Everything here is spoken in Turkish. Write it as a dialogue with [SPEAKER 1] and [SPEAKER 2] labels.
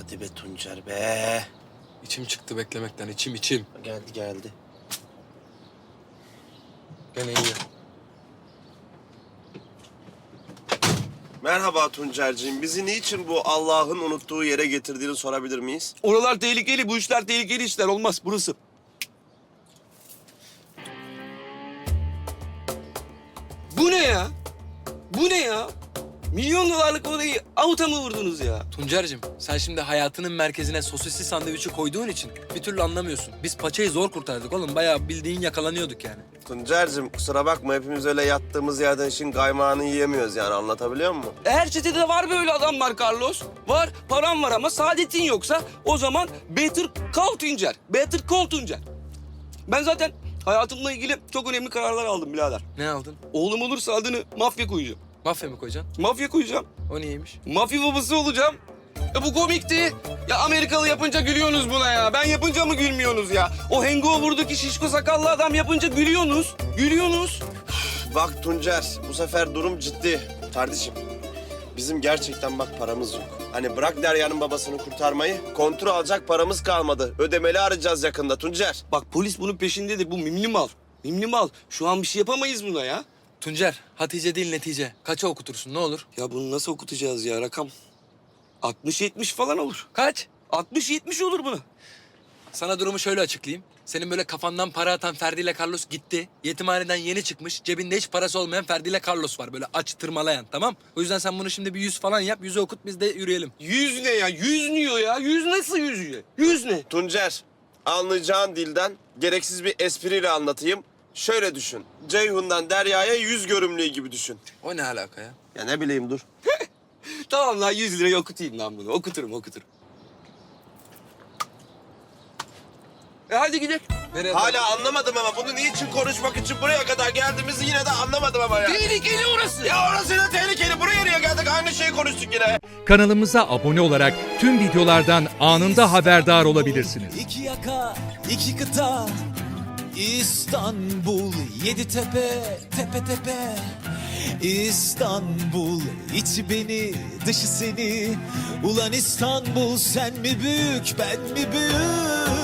[SPEAKER 1] Hadi be Tuncer be.
[SPEAKER 2] İçim çıktı beklemekten, içim.
[SPEAKER 1] Geldi.
[SPEAKER 2] Gene iyi.
[SPEAKER 1] Merhaba Tuncerciğim. Bizi niçin bu Allah'ın unuttuğu yere getirdiğini sorabilir miyiz?
[SPEAKER 3] Oralar tehlikeli, bu işler tehlikeli işler. Olmaz burası. Bu ne ya? Bu ne ya? Milyon dolarlık orayı avuta mı vurdunuz ya?
[SPEAKER 2] Tuncer'cim sen şimdi hayatının merkezine sosisli sandviçi koyduğun için bir türlü anlamıyorsun. Biz paçayı zor kurtardık oğlum. Bayağı bildiğin yakalanıyorduk yani.
[SPEAKER 1] Tuncerciğim kusura bakma hepimiz öyle yattığımız yerden işin kaymağını yiyemiyoruz yani anlatabiliyor muyum?
[SPEAKER 3] Her çetede var böyle adamlar Carlos. Var, param var ama saadetin yoksa o zaman Better Call Tuncer. Better Call Tuncer. Ben zaten hayatımla ilgili çok önemli kararlar aldım birader.
[SPEAKER 2] Ne aldın?
[SPEAKER 3] Oğlum olursa adını mafya koyacağım.
[SPEAKER 2] Mafya mı koyacaksın?
[SPEAKER 3] Mafya koyacağım.
[SPEAKER 2] O neymiş?
[SPEAKER 3] Mafya babası olacağım. Ya bu komikti. Ya Amerikalı yapınca gülüyorsunuz buna ya. Ben yapınca mı gülmüyorsunuz ya? O Hangover'daki şişko sakallı adam yapınca gülüyorsunuz. Gülüyorsunuz.
[SPEAKER 1] Bak Tuncer bu sefer durum ciddi. Kardeşim bizim gerçekten bak paramız yok. Hani bırak Derya'nın babasını kurtarmayı, kontrol alacak paramız kalmadı. Ödemeli arayacağız yakında Tuncer.
[SPEAKER 3] Bak polis bunun peşindedir. Bu mimli mal. Mimli mal. Şu an bir şey yapamayız buna ya.
[SPEAKER 2] Tuncer, Hatice değil netice. Kaça okutursun ne olur?
[SPEAKER 3] Ya bunu nasıl okutacağız ya rakam? 60-70 falan olur.
[SPEAKER 2] Kaç?
[SPEAKER 3] 60-70 olur bunu.
[SPEAKER 2] Sana durumu şöyle açıklayayım. Senin böyle kafandan para atan Ferdi ile Carlos gitti. Yetimhaneden yeni çıkmış. Cebinde hiç parası olmayan Ferdi ile Carlos var. Böyle aç tırmalayan tamam. O yüzden sen bunu şimdi bir 100 falan yap. 100'ü okut biz de yürüyelim.
[SPEAKER 3] 100 ne ya? 100 diyor ya. 100 nasıl 100 ya? 100 ne?
[SPEAKER 1] Tuncer anlayacağın dilden gereksiz bir espriyle anlatayım. Şöyle düşün. Ceyhun'dan Derya'ya 100 görümlüğü gibi düşün.
[SPEAKER 2] O ne alaka ya?
[SPEAKER 1] Ya ne bileyim dur.
[SPEAKER 3] Tamam lan 100 liraya okutayım lan bunu. Okuturum. Hadi gidelim.
[SPEAKER 2] Nereye?
[SPEAKER 1] Hala anlamadım ama bunu niçin konuşmak için buraya kadar geldiğimizi yine de anlamadım ama ya.
[SPEAKER 3] Tehlikeli orası.
[SPEAKER 1] Ya orası da tehlikeli. Buraya niye geldik? Aynı şeyi konuştuk yine.
[SPEAKER 4] Kanalımıza abone olarak tüm videolardan anında haberdar olabilirsiniz.
[SPEAKER 5] İki yaka, iki kıta, İstanbul, yedi tepe, tepe tepe. İstanbul, içi beni, dışı seni. Ulan İstanbul, sen mi büyük, ben mi büyük?